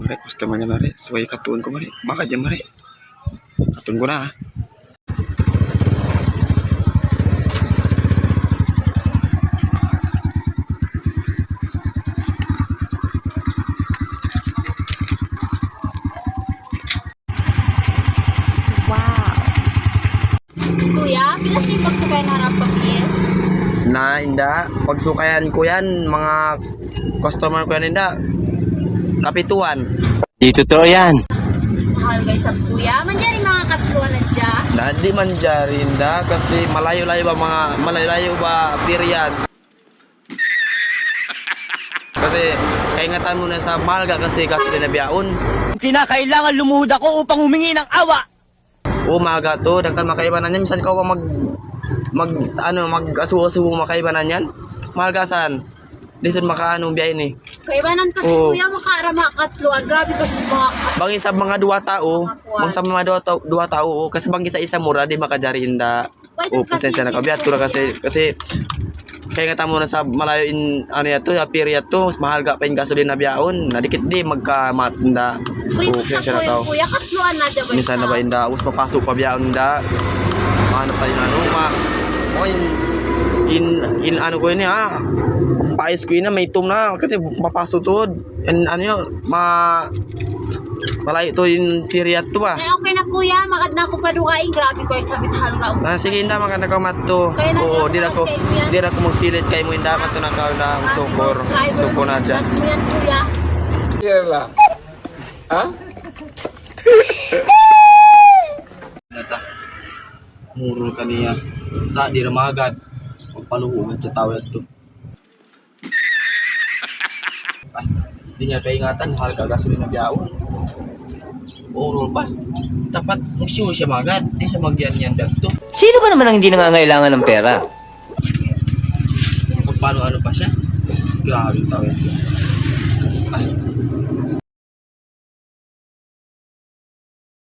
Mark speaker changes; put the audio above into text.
Speaker 1: mare, customer niya mare. Suway katuon ko mare. Baka dyan mare. Katuon ko na ha.
Speaker 2: Kuya, pila si pagsukay na harap pamilya?
Speaker 1: Na inda, pagsukayan ko yan, mga customer ko yan inda. Kapituan.
Speaker 3: Di totoo yan.
Speaker 2: Mahal guys sa kuya. Manjari mga katluan na dyan.
Speaker 1: Di man dyan inda kasi malayo-layo ba period. Kasi kaingatan mo na sa Malga kasi din na biyaon.
Speaker 3: Kinakailangan lumuhod ako upang humingi ng awa.
Speaker 1: Oo, Malga to, dagkan makaibanan yan. Minsan ka pa mag-asuwa-suwa makaibanan yan. Malga saan? Dito makaanong biyahin eh.
Speaker 2: Kaibanan kasi
Speaker 1: Oo.
Speaker 2: kuya makarama katluan. Grabe kasi mga
Speaker 1: Bangi sa mga duwa tao, duwa tao, kasi bangi sa isa mura, di makajari inda. O, pasensya na kabiat, tura kasi kaya nga tamo na sa malayo ano yato, period to, mas mahal ka pa yung gasolina biyaon, nadikit di magkamatanda. O,
Speaker 2: Prito sa
Speaker 1: pasensya na tao.
Speaker 2: kuya katluan na dyan.
Speaker 1: Minsan na ba inda, us papasok pa biyaon inda. Ano pa yun, ano ko yun ha, pais ko yun na, may itom na, kasi mapasok to, ano yun, malayo to yung period to ba.
Speaker 2: Okay na kuya, makad na ako padukain. Grabe ko yung sabit halga.
Speaker 1: Sige inda, maganda ka matto. Oo, di na ko magpilit kay mo inda, matto na ka na sukor na dyan.
Speaker 2: Yan kuya.
Speaker 1: Kaya ha? Murul ka niya. Sa di ramagad. Pagpaluho ng tawad to. Ay, di niya kaingatan, harga gasolina biyawon. Murul pa. Dapat magsiyo siya magad. Di siya magyan-yan dagto.
Speaker 3: Sino ba naman ang hindi nangangailangan ng pera?
Speaker 1: Kung paano ano pa siya. Grabe tawad to. Ay,